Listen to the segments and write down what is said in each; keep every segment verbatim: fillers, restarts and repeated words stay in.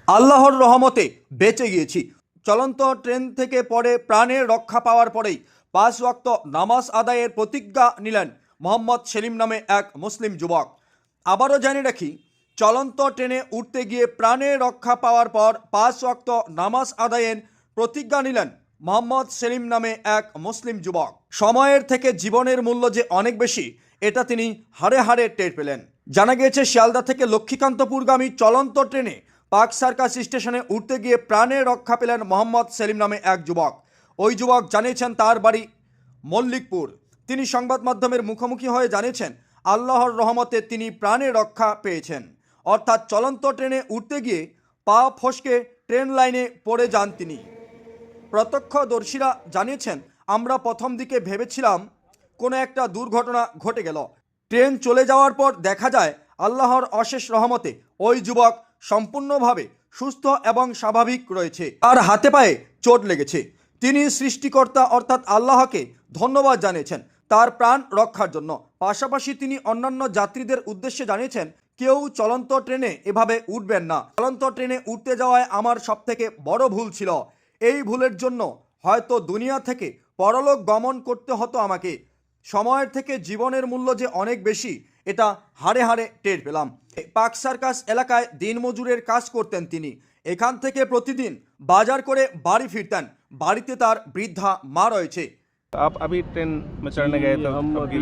আল্লাহর রহমতে বেঁচে গিয়েছি। চলন্ত ট্রেন থেকে পড়ে প্রাণের রক্ষা পাওয়ার পরেই পাঁচ ওয়াক্ত নামাজ আদায়ের প্রতিজ্ঞা নিলেন মোহাম্মদ সেলিম নামে এক মুসলিম যুবক। আবারও জানিয়ে রাখি, চলন্ত ট্রেনে উঠতে গিয়ে প্রাণের রক্ষা পাওয়ার পর পাঁচ ওয়াক্ত নামাজ আদায়ের প্রতিজ্ঞা নিলেন মোহাম্মদ সেলিম নামে এক মুসলিম যুবক। সময়ের থেকে জীবনের মূল্য যে অনেক বেশি, এটা তিনি হাড়ে হাড়ে টের পেলেন। জানা গিয়েছে, শিয়ালদা থেকে লক্ষ্মীকান্তপুরগামী চলন্ত ট্রেনে পার্ক সার্কাস স্টেশনে উঠতে গিয়ে প্রাণের রক্ষা পেলেন মোহাম্মদ সেলিম নামে এক যুবক। ওই যুবক জানিয়েছেন তার বাড়ি মল্লিকপুর। তিনি সংবাদ মাধ্যমের মুখোমুখি হয়ে জানিয়েছেন আল্লাহর রহমতে তিনি প্রাণের রক্ষা পেয়েছেন। অর্থাৎ চলন্ত ট্রেনে উঠতে গিয়ে পা ফসকে ট্রেন লাইনে পড়ে যান তিনি। প্রত্যক্ষদর্শীরা জানিয়েছেন, আমরা প্রথম দিকে ভেবেছিলাম কোনো একটা দুর্ঘটনা ঘটে গেল। ট্রেন চলে যাওয়ার পর দেখা যায় আল্লাহর অশেষ রহমতে ওই যুবক সম্পূর্ণভাবে সুস্থ এবং স্বাভাবিক রয়েছে। তার হাতে পায়ে চোট লেগেছে। তিনি সৃষ্টিকর্তা অর্থাৎ আল্লাহকে ধন্যবাদ জানিয়েছেন তার প্রাণ রক্ষার জন্য। পাশাপাশি তিনি অন্যান্য যাত্রীদের উদ্দেশ্যে জানিয়েছেন, কেউ চলন্ত ট্রেনে এভাবে উঠবেন না। চলন্ত ট্রেনে উঠতে যাওয়ায় আমার সবথেকে বড় ভুল ছিল। এই ভুলের জন্য হয়তো দুনিয়া থেকে পরলোক গমন করতে হতো আমাকে। সময়ের থেকে জীবনের মূল্য যে অনেক বেশি, এটা হাড়ে হাড়ে টের পেলাম। পার্ক সার্কাস এলাকায় দিনমজুরের কাজ করতেন তিনি। এখান থেকে প্রতিদিন বাজার করে বাড়ি ফিরতেন। বাড়িতে তার বৃদ্ধা মা রয়েছে। आप अभी ट्रेन में चढ़ने गए तो हम अभी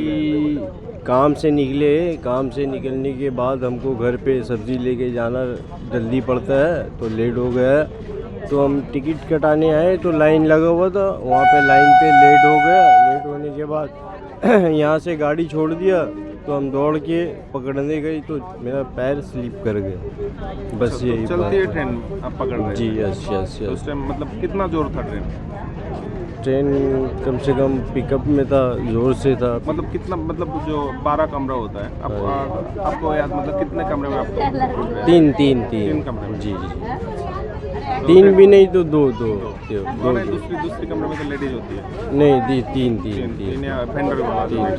काम से निकले। काम से निकलने के बाद हमको घर पे सब्ज़ी लेके जाना जल्दी पड़ता है, तो लेट हो गया। तो हम टिकट कटाने आए तो लाइन लगा हुआ था, वहाँ पे लाइन पे लेट हो गया। लेट होने के बाद यहाँ से गाड़ी छोड़ दिया, तो हम दौड़ के पकड़ने गए तो मेरा पैर स्लिप कर गया। बस तो यही चलती है बात। ट्रेन आप पकड़ रहे जी थे। यस यस तो उस यस। टाइम मतलब कितना जोर था ट्रेन? ट्रेन कम से कम पिकअप में था, जोर से था। मतलब कितना, मतलब जो बारह कमरा होता है आप, आ, आपको याद, मतलब कितने कमरे में आपको तीन तीन तीन तीन कमरे में? जी जी। तीन भी नहीं तो दो दो दो, दो, दो नहीं, दो। दूसरी दूसरी कमरे में तो लेडीज होती है। नहीं दी तीन तीन तीन तीन तीन या फेंडर के बाद तीन,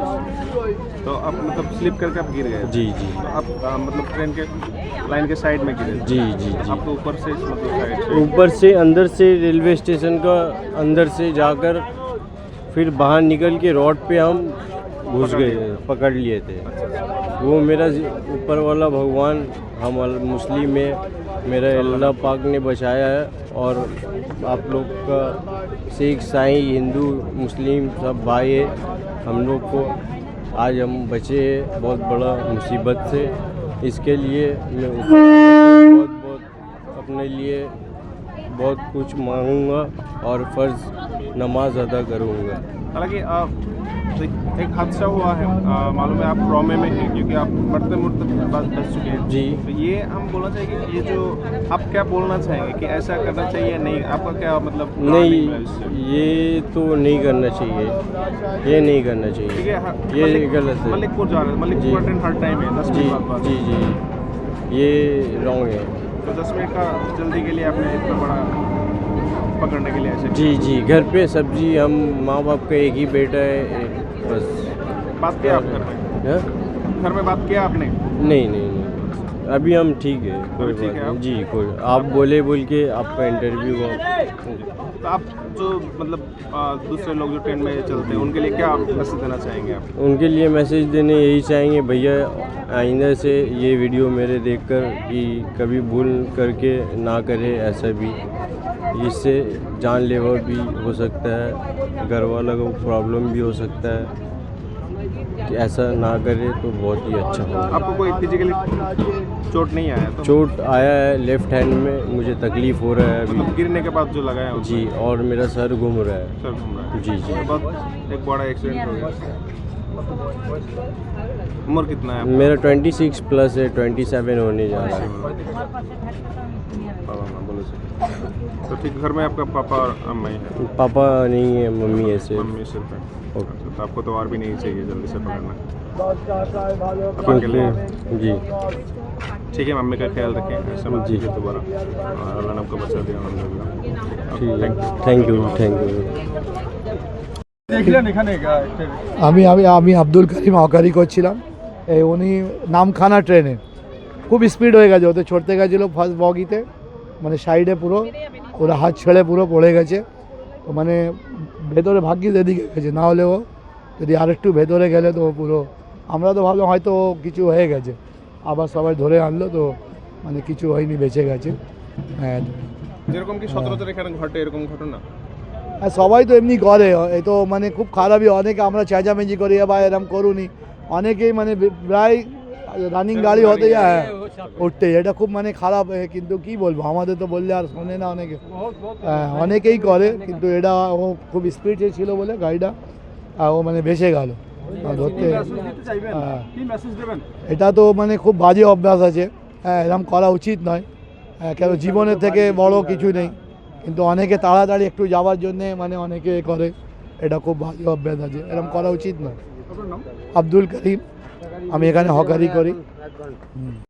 तो आप मतलब स्लिप करके आप गिर गए? जी जी तो आप आ, मतलब ट्रेन के लाइन के साइड में गिरे? जी जी जी। आपको ऊपर से मतलब साइड से? ऊपर से अंदर से रेलवे स्टेशन का अंदर से जाकर फिर बाहर निकल के रोड पे हम घुस गए, पकड़ लिए थे। वो मेरा ऊपर वाला भगवान, हम अल- मुस्लिम है, मेरा अल्लाह पाक ने बचाया है। और आप लोग का सिख ईसाई हिंदू मुस्लिम सब भाई है। हम लोग को आज हम बचे हैं बहुत बड़ा मुसीबत से। इसके लिए मैं बहुत बहुत अपने लिए बहुत कुछ मांगूंगा और फ़र्ज़ नमाज अदा करूंगा। हालांकि आ, एक, एक हादसा हुआ है, आ, मालूम है आप ट्रॉमे में हैं क्योंकि आप मरते मुड़ते बस बच चुके हैं जी। तो ये हम बोलना चाहेंगे कि ये जो आप क्या बोलना चाहेंगे कि ऐसा करना चाहिए नहीं, आपका क्या मतलब नहीं, है इससे? ये तो नहीं करना चाहिए, ये नहीं करना ठीक चाहिए, है। हाँ, ये मलिक- गलत है। मलिकपुर जा रहे हैं, मलिकपुर जी। ट्रेन हर टाइम है दस जी मिनट बाद बाद। जी जी, ये रॉन्ग है। तो दस मिनट का जल्दी के लिए आपने इतना बड़ा पकड़ने के लिए ऐसे जी जी, घर पे सब्जी, हम माँ बाप का एक ही बेटा है, बस। बात किया आप घर में? हाँ? घर में बात किया आपने? नहीं नहीं नहीं, अभी हम ठीक है, कोई अभी ठीक बात है नहीं। आप? जी कोई, आप बोले बोल के आपका इंटरव्यू हुआ। तो आप जो मतलब आ, दूसरे लोग जो ट्रेन में चलते हैं उनके लिए क्या मैसेज देना चाहेंगे आप? उनके लिए मैसेज देने यही चाहेंगे, भैया आइंदा से ये वीडियो मेरे देखकर कि कभी भूल करके ना करे ऐसा भी। इससे जानलेवा भी हो सकता है, घर वाला को प्रॉब्लम भी हो सकता है। कि ऐसा ना करे तो बहुत ही अच्छा होगा। आपको कोई फिजिकली चोट नहीं आया तो? चोट आया है लेफ्ट हैंड में, मुझे तकलीफ़ हो रहा है मतलब अभी। गिरने के बाद जो लगा है जी, और मेरा सर घूम रहा है। सर घूम रहा है। जी जी। तो बहुत एक बड़ा एक्सीडेंट हो गया। उम्र कितना है आपका? मेरा छब्बीस प्लस है, सत्ताईस होने जा रहा है। पापा माँ बोलो सर। तो ठीक, घर में आपका पापा और अम्मा ही है? पापा नहीं है, मम्मी है सिर्फ। मम्मी सिर्फ है। ओके। अच्छा, तो आपको तो और भी नहीं चाहिए जल्दी से पकड़ना। आप अकेले हैं? क्योंकि जी ठीक है, मम्मी का ख्याल रखें, ऐसा मत जी। कीजिए दोबारा। और अल्लाह ने आपको बचा दिया अलहम्दुलिल्लाह। ठीक है, thank you. Thank you thank you. দেখলেন এখানে আমি আমি আমি আব্দুল করিম হকারি করছিলাম। এই উনি নামখানা ট্রেনে খুব স্পিড হয়ে গেছে, ওতে ছড়তে গেছিলো ফার্স্ট বগিতে, মানে সাইডে পুরো ওরা হাত ছেড়ে পুরো পড়ে গেছে। তো মানে ভেতরে ভাগ্যিস এদিকে গেছে, না হলেও যদি আরেকটু ভেতরে গেলে তো পুরো, আমরা তো ভাবলাম হয়তো কিছু হয়ে গেছে, আবার সবাই ধরে আনলো তো মানে কিছু হয়নি, বেঁচে গেছে। হ্যাঁ, যেরকম কি সচরাচর এখানে ঘটে এরকম ঘটনা? আর সবাই তো এমনি করে, এই তো মানে খুব খারাপই, অনেকে আমরা চেঁচামেচি করি বা এরম করুনি, অনেকেই মানে প্রায় রানিং গাড়ি হতে যায় উঠতে, এটা খুব মানে খারাপ। এ, কিন্তু কি বলবো, আমাদের তো বললে আর শোনে না অনেকে, হ্যাঁ, অনেকেই করে, কিন্তু এটা ও খুব স্পিডে ছিল বলে গাড়িটা আহ, ও মানে বেঁচে গেল ধরতে। হ্যাঁ, এটা তো মানে খুব বাজে অভ্যাস আছে, হ্যাঁ, এরকম করা উচিত নয়, হ্যাঁ, কেন জীবনের থেকে বড় কিছু নেই, কিন্তু অনেকে তাড়াতাড়ি একটু যাওয়ার জন্যে মানে অনেকে করে, এটা খুব বাজে অভ্যাস আছে, এরকম করা উচিত নয়। আব্দুল করিম, আমি এখানে হকারি করি।